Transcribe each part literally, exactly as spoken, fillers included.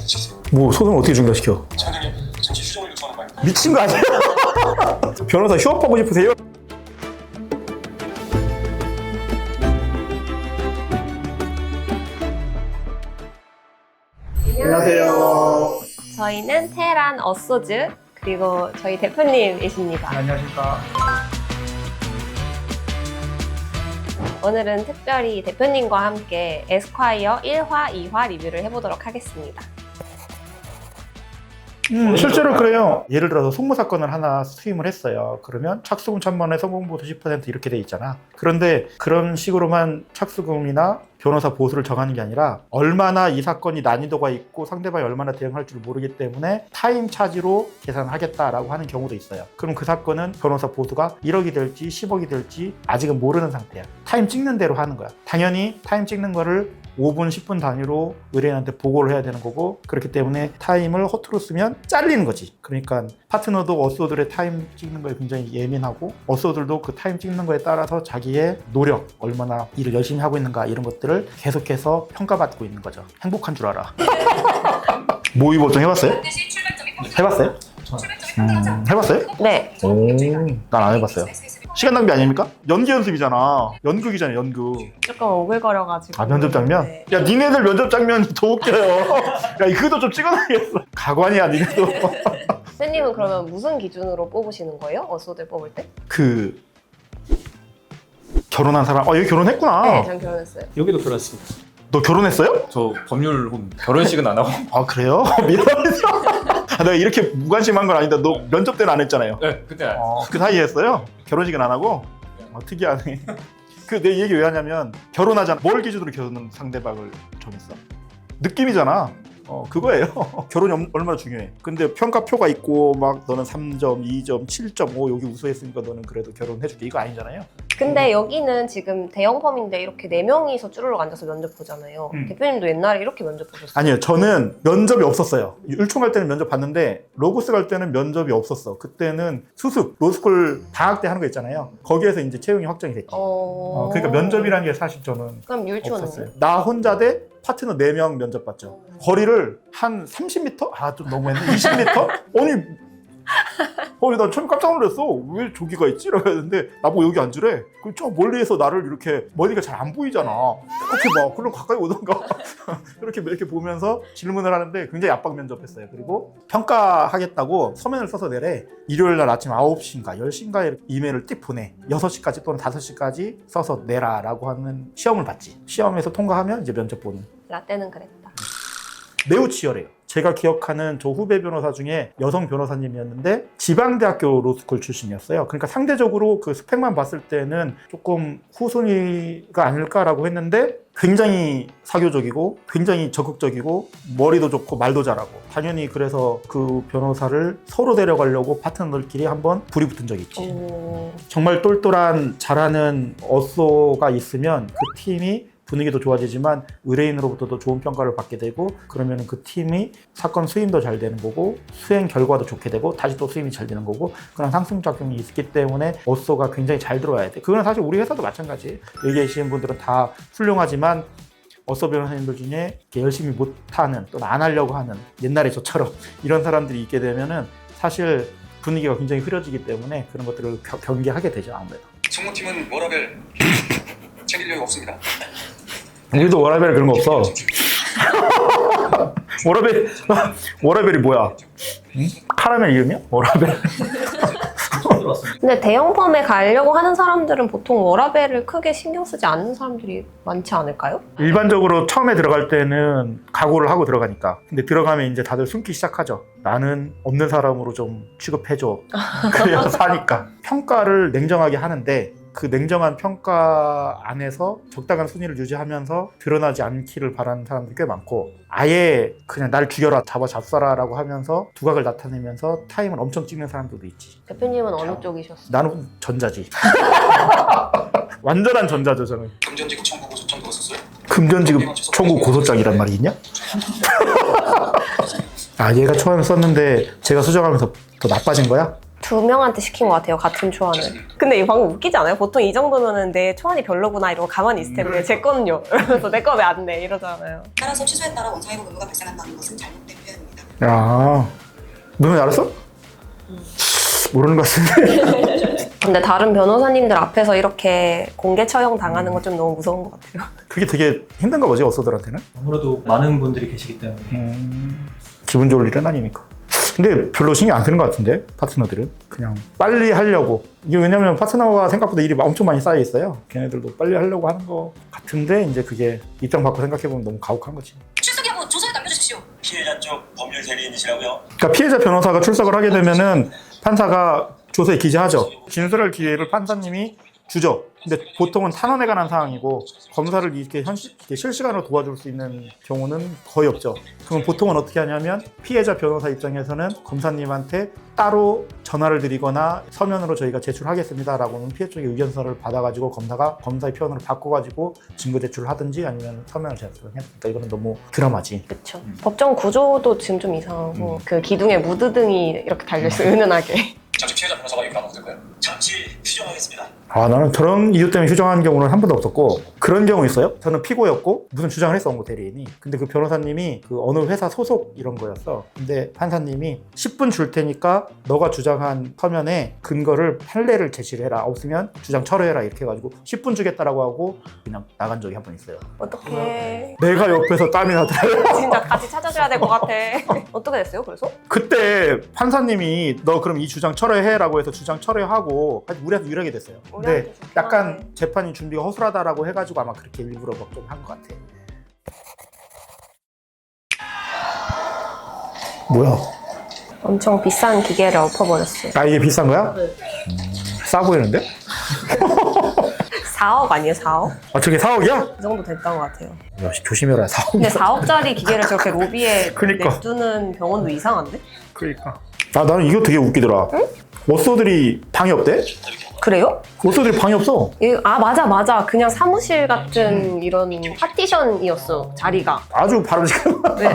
중단시키세요. 뭐 소송을 어떻게 중단시켜? 장관님, 잠시 휴정을 요청하는 바입니다. 미친 거 아니야? 변호사 휴업하고 싶으세요? 안녕하세요. 저희는 테란 어소즈 그리고 저희 대표님이십니다. 안녕하십니까. 오늘은 특별히 대표님과 함께 에스콰이어 일 화, 이 화 리뷰를 해보도록 하겠습니다. 음, 실제로 그래요. 예를 들어서 송무 사건을 하나 수임을 했어요. 그러면 착수금 천만 원에 성공보수 십 퍼센트 이렇게 돼 있잖아. 그런데 그런 식으로만 착수금이나 변호사 보수를 정하는 게 아니라 얼마나 이 사건이 난이도가 있고 상대방이 얼마나 대응할 줄 모르기 때문에 타임 차지로 계산하겠다라고 하는 경우도 있어요. 그럼 그 사건은 변호사 보수가 일억이 될지 십억이 될지 아직은 모르는 상태야. 타임 찍는 대로 하는 거야. 당연히 타임 찍는 거를 오 분, 십 분 단위로 의뢰인한테 보고를 해야 되는 거고, 그렇기 때문에 타임을 허투루 쓰면 잘리는 거지. 그러니까 파트너도 어소들의 타임 찍는 거에 굉장히 예민하고, 어소들도 그 타임 찍는 거에 따라서 자기의 노력, 얼마나 일을 열심히 하고 있는가 이런 것들을 계속해서 평가받고 있는 거죠. 행복한 줄 알아. 모의 보통 해봤어요? 해봤어요? 음, 해봤어요? 네. 오, 난 안 해봤어요. 시간 낭비 아닙니까? 연기 연습이잖아. 연극이잖아요, 연극. 조금 오글거려가지고. 아, 면접 장면? 네. 야, 니네들 면접 장면이 더 웃겨요. 야, 이거도 좀 찍어놔야겠어. 가관이야, 니네도. 대표님은 그러면 무슨 기준으로 뽑으시는 거예요? 어소들 뽑을 때? 그 결혼한 사람, 어, 여기 결혼했구나. 네, 전 결혼했어요. 여기도 결혼했습니다. 너 결혼했어요? 저 법률 결혼식은 안 하고. 아, 그래요? 미안해서. 아, 내가 이렇게 무관심한 건 아닌데, 너 면접 때는 안 했잖아요. 네, 그때 안 어, 그 사이에 했어요? 결혼식은 안 하고? 어, 특이하네. 그 내 얘기 왜 하냐면, 결혼하잖아. 뭘 기준으로 결혼 상대방을 정했어? 느낌이잖아. 어, 그거예요. 결혼이 엄- 얼마나 중요해. 근데 평가표가 있고 막 너는 삼 점, 이 점, 칠 점 오 여기 우수했으니까 너는 그래도 결혼해줄게 이거 아니잖아요. 근데 여기는 지금 대형 펌인데 이렇게 네 명이서 쭈르륵 앉아서 면접 보잖아요. 음. 대표님도 옛날에 이렇게 면접 보셨어요? 아니요, 저는 면접이 없었어요. 율총 갈 때는 면접 봤는데 로고스 갈 때는 면접이 없었어. 그때는 수습, 로스쿨 방학 때 하는 거 있잖아요. 거기에서 이제 채용이 확정이 됐지. 어... 어, 그러니까 면접이라는 게 사실 저는 그럼 율초는? 없었어요. 나 혼자 대 파트너 네 명 면접 봤죠. 거리를 한 삼십 미터? 아, 좀 너무했네. 이십 미터? 아니, 아니, 난 처음에 깜짝 놀랐어. 왜 저기가 있지? 라고 했는데, 나보고 여기 앉으래. 그럼 저 멀리에서 나를 이렇게, 머리가 잘 안 보이잖아. 이렇게 막, 그럼 가까이 오던가. 이렇게, 이렇게 보면서 질문을 하는데 굉장히 압박 면접했어요. 그리고 평가하겠다고 서면을 써서 내래. 일요일 날 아침 아홉 시인가 열 시인가에 이메일을 띡 보내. 여섯 시까지 또는 다섯 시까지 써서 내라. 라고 하는 시험을 봤지. 시험에서 통과하면 이제 면접 보는. 라떼는 그랬다. 매우 치열해요. 제가 기억하는 저 후배 변호사 중에 여성 변호사님이었는데 지방대학교 로스쿨 출신이었어요. 그러니까 상대적으로 그 스펙만 봤을 때는 조금 후순위가 아닐까라고 했는데 굉장히 사교적이고 굉장히 적극적이고 머리도 좋고 말도 잘하고 당연히 그래서 그 변호사를 서로 데려가려고 파트너들끼리 한번 불이 붙은 적이 있지. 오... 정말 똘똘한 잘하는 어쏘가 있으면 그 팀이 분위기도 좋아지지만 의뢰인으로부터도 좋은 평가를 받게 되고 그러면 그 팀이 사건 수임도 잘 되는 거고 수행 결과도 좋게 되고 다시 또 수임이 잘 되는 거고 그런 상승작용이 있기 때문에 어쏘가 굉장히 잘 들어와야 돼. 그거는 사실 우리 회사도 마찬가지. 여기 계시는 분들은 다 훌륭하지만 어쏘 변호사님들 중에 이렇게 열심히 못하는 또 안 하려고 하는 옛날에 저처럼 이런 사람들이 있게 되면은 사실 분위기가 굉장히 흐려지기 때문에 그런 것들을 겨, 경계하게 되죠. 아무래도. 승무팀은 워라벨 챙길 여유 없습니다. 우리도 워라벨 그런 거 없어. 워라벨, 워라벨이 뭐야? 응? 카라멜 이름이야? 워라벨? 근데 대형 펌에 가려고 하는 사람들은 보통 워라벨을 크게 신경 쓰지 않는 사람들이 많지 않을까요? 일반적으로 처음에 들어갈 때는 각오를 하고 들어가니까. 근데 들어가면 이제 다들 숨기 시작하죠. 나는 없는 사람으로 좀 취급해줘. 그래야 사니까. 평가를 냉정하게 하는데 그 냉정한 평가 안에서 적당한 순위를 유지하면서 드러나지 않기를 바라는 사람들이 꽤 많고 아예 그냥 날 죽여라 잡아 잡숴라 라고 하면서 두각을 나타내면서 타임을 엄청 찍는 사람들도 있지. 대표님은 어느 쪽이셨어요? 나는 전자지. 완전한 전자죠 저는. 금전지급 청구 고소장 넣었었어요. 금전지급 청구 고소장이란 말이 있냐? 아 얘가 초안을 썼는데 제가 수정하면서 더 나빠진 거야? 두 명한테 시킨 것 같아요, 같은 초안을. 근데 이거 방금 웃기지 않아요? 보통 이 정도면은 내 초안이 별로구나 이러고 가만히 있을 텐데 제 거는요? 이러면서 내 거 왜 안 내? 이러잖아요. 따라서 취소에 따라 원상회복 의무가 발생한다는 것은 잘못된 야, 너는 알았어? 모르는 것 같은데. 근데 다른 변호사님들 앞에서 이렇게 공개 처형 당하는 건 좀 너무 무서운 것 같아요. 그게 되게 힘든가 보지, 어서들한테는. 아무래도 많은 분들이 계시기 때문에 음, 기분 좋을 일은 아니니까. 근데 별로 신경 안 쓰는 것 같은데, 파트너들은. 그냥 빨리 하려고. 이게 왜냐면 파트너가 생각보다 일이 엄청 많이 쌓여 있어요. 걔네들도 빨리 하려고 하는 것 같은데, 이제 그게 입장 바꿔 생각해보면 너무 가혹한 거지. 출석 여부 조서에 남겨주십시오. 피해자 쪽 법률 대리인이시라고요? 그러니까 피해자 변호사가 출석을 하게 되면은 판사가 조서에 기재하죠. 진술할 기회를 판사님이 주죠. 근데 보통은 탄원에 관한 사항이고 검사를 이렇게 현실, 이렇게 실시간으로 도와줄 수 있는 경우는 거의 없죠. 그럼 보통은 어떻게 하냐면 피해자 변호사 입장에서는 검사님한테 따로 전화를 드리거나 서면으로 저희가 제출하겠습니다라고는 피해 쪽의 의견서를 받아가지고 검사가 검사의 표현으로 바꿔가지고 증거 제출을 하든지 아니면 서면을 제출을 해야 되니까 이거는 너무 드라마지. 그렇죠. 법정 구조도 지금 좀 이상하고 음. 그 기둥에 무드등이 이렇게 달려있어요. 은은하게. 잠시 피해자 변호사가 얘기 나눠도 될까요? 잠시 휴정하겠습니다. 아, 나는 그런 이유 때문에 휴정한 경우는 한 번도 없었고 그런 경우 있어요. 저는 피고였고 무슨 주장을 했어, 업무 대리인이. 근데 그 변호사님이 그 어느 회사 소속 이런 거였어. 근데 판사님이 십 분 줄 테니까 너가 주장한 서면에 근거를 판례를 제시를 해라. 없으면 주장 철회해라. 이렇게 해가지고 십 분 주겠다라고 하고 그냥 나간 적이 한 번 있어요. 어떡해. 내가 옆에서 땀이 나더라고. 진짜 같이 찾아줘야 될 것 같아. 어떻게 됐어요, 그래서? 그때 판사님이 너 그럼 이 주장 철회해라고 해서 주장 철회하고 우리한테 유리하게 됐어요. 근데 우리한테 좋긴 약간 하네. 재판이 준비가 허술하다라고 해가지고 아마 그렇게 일부러 막 좀 한 것 같아. 뭐야? 엄청 비싼 기계를 엎어버렸어요. 아, 이게 비싼 거야? 네. 음, 싸 보이는데? 사억 아니에요, 사억? 아, 저게 사억이야? 그 정도 됐던 것 같아요. 야, 조심해라, 사억. 근데 사억짜리 기계를 저렇게 로비에 그니까. 냅두는 병원도 이상한데? 그러니까. 아, 나는 이거 되게 웃기더라. 응? 워서들이 방이 없대? 그래요? 워서들이 방이 없어. 이- 아 맞아 맞아 그냥 사무실 같은 이런 파티션이었어 자리가. 아주 바람직한. 네.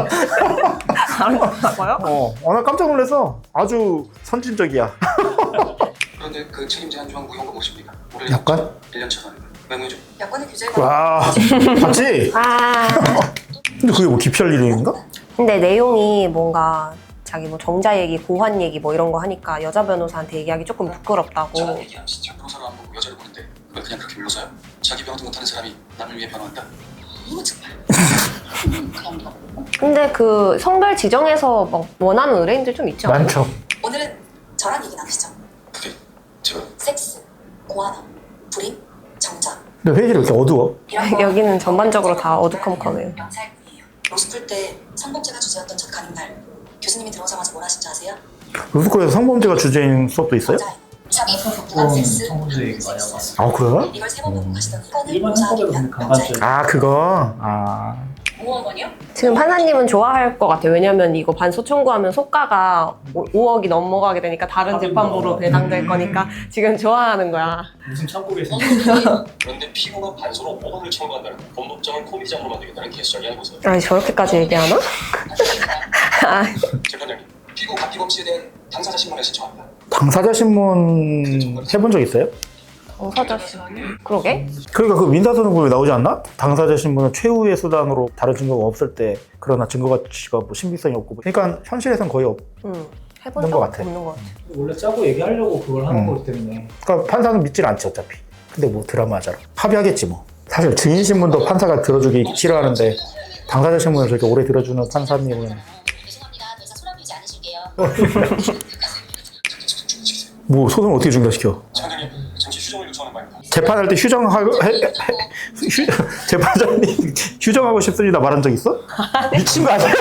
알았어요? 어, 어, 나 깜짝 놀랐어. 아주 선진적이야. 그런데 그 책임 제한 조항 무효한 거 보십니까? 올해 약관? 일 년 처분. 메모죠. 약관의 규제가 와, 봤지? 아 근데 그게 뭐 기피할 일인가? 근데 내용이 뭔가 자기 뭐 정자 얘기, 고환 얘기 뭐 이런 거 하니까 여자 변호사한테 얘기하기 조금 부끄럽다고. 저랑 얘기하시죠. 변호사를 안 보고 여자를 보는데 그걸 그냥 그렇게 물러서요? 자기 변호도 못하는 사람이 남을 위해 변호한다? 이거 정말 그냥 우리가 근데 그 성별 지정에서 막 원하는 의뢰인들 좀 있지 않아요? 많죠. 오늘은 저랑 얘기 나누시죠. 그게 제가 섹스, 고아남, 불임, 정자 근데 회의를 왜 이렇게 어두워? 이런 거 여기는 전반적으로 다 어두컴컴해요. 명사일뿐이에요. 로스쿨 때 성범죄가 주제였던 첫 강의날 교수님이 들어오자마자 뭘 하신지 아세요? 로스쿨에서 성범죄가 주제인 수업도 있어요? 정자예요. 자기 부부 그런 섹스, 성범죄 얘기 많이 하고 왔어요. 아, 그래? 이걸 세 번 보고 가시더니 이거는 일반 모자이면 형법에도 강간죄. 아, 그거? 아. 오억 원이요? 지금 판사님은 좋아할 것 같아요. 왜냐면 이거 반소 청구하면 소가가 오억이 넘어가게 되니까 다른 재판부로 배당될 거니까 지금 좋아하는 거야. 무슨 참고 계세요? 그런데 피고가 반소로 오억을 청구한다는 법법정을 코미디장으로 만들겠다는 개수작이 아니고서요. 아니 저렇게까지 얘기하나? 아, 재판장님, 피고 가피고 없이에 대한 당사자 신문을 신청합니다. 당사자 신문 해본 적 있어요? 당사자 씨. 그러게? 그러니까 그 민사소송법에 나오지 않나? 당사자 신문은 최후의 수단으로 다른 증거가 없을 때 그러나 증거 가치가 뭐 신빙성이 없고 그러니까 현실에선 거의 없. 응. 해본 없는 적 것 같아. 없는 것 같아. 원래 짜고 얘기하려고 그걸 하는 음. 거기 때문에 그러니까 판사는 믿질 않지 어차피. 근데 뭐 드라마잖아. 합의하겠지 뭐. 사실 증인 신문도 판사가 들어주기 싫어하는데 당사자 신문을 저렇게 오래 들어주는 판사님은 죄송합니다. 더 이상 소란 피우지 않으실게요. 뭐 소송을 어떻게 중단시켜? 재판장님, 잠시 휴정을 요청하는 바입니다. 재판할 때 휴정하고 해, 해, 휴, 재판장님 휴정하고 싶습니다 말한 적 있어? 미친 거 아니야?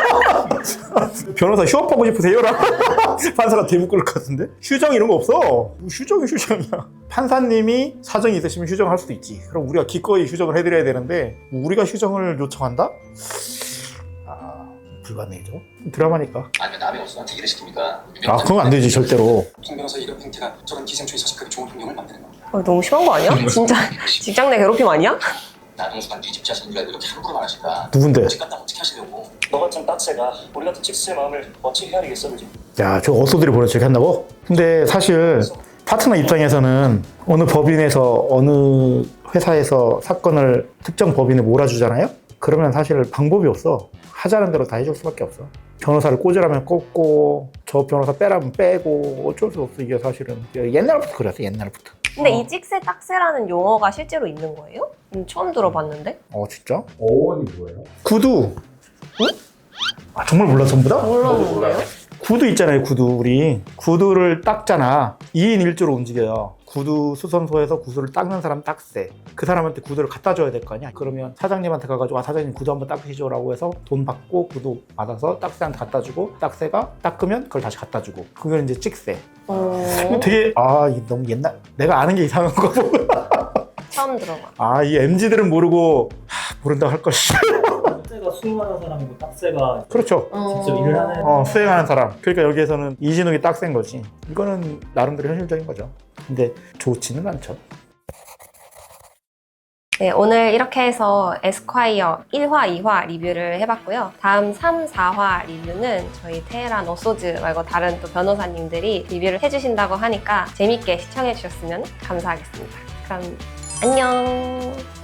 변호사 휴업하고 싶으세요라고 판사가 대묻을 것 같은데? 휴정 이런 거 없어. 뭐 휴정이 휴정이야. 판사님이 사정이 있으시면 휴정할 수도 있지. 그럼 우리가 기꺼이 휴정을 해드려야 되는데 뭐 우리가 휴정을 요청한다? 아, 불가능이죠. 드라마니까. 아니면 남의 업소한테 일을 시킵니까? 아, 그건 안 되지 절대로. 홍 변호사 이런 행태가 저런 기생충이 서식하기 좋은 환경을 만드는 겁니다. 어, 너무 심한 거 아니야? 진짜 직장 내 괴롭힘 아니야? 나동수가 네 집자신 줄 알고 이렇게 함부로 말하실까? 누군데? 집 갖다 어떻게 하시려고? 너 같은 딱새가 우리 같은 칙스의 마음을 어찌 헤아리겠어, 그지? 야, 저 어소들이 보낸 척 한다고? 근데 사실 파트너 입장에서는 어느 법인에서 어느 회사에서 사건을 특정 법인에 몰아주잖아요? 그러면 사실 방법이 없어. 하자는 대로 다 해줄 수밖에 없어. 변호사를 꽂으라면 꽂고 저 변호사 빼라면 빼고 어쩔 수 없어. 이게 사실은 옛날부터 그랬어. 옛날부터. 근데 어. 이 찍새 딱새라는 용어가 실제로 있는 거예요? 음, 처음 들어봤는데? 어 진짜? 어원이 뭐예요? 구두. 아, 정말 몰라 전부 다? 몰랐는데요? 구두 있잖아요. 구두 우리 구두를 닦잖아. 이 인 일 조로 움직여요. 구두 수선소에서 구두를 닦는 사람 딱새. 그 사람한테 구두를 갖다 줘야 될 거 아니야. 그러면 사장님한테 가가지고 아 사장님 구두 한번 닦으시죠 라고 해서 돈 받고 구두 받아서 딱새한테 갖다 주고 딱새가 닦으면 그걸 다시 갖다 주고 그걸 이제 찍새. 어... 되게 아 이게 너무 옛날 내가 아는 게 이상한 거 보고 처음 들어봐. 아 이 엠지들은 모르고 하, 모른다고 할 것이. 딱새가 수임하는 사람이고 딱새가 그렇죠. 직접 일을 하는 어, 수행하는 사람. 그러니까 여기에서는 이진욱이 딱센 거지. 이거는 나름대로 현실적인 거죠. 근데 좋지는 않죠. 네, 오늘 이렇게 해서 에스콰이어 일 화, 이 화 리뷰를 해봤고요. 다음 삼, 사 화 리뷰는 저희 테헤란 어소즈 말고 다른 또 변호사님들이 리뷰를 해주신다고 하니까 재밌게 시청해주셨으면 감사하겠습니다. 그럼 안녕!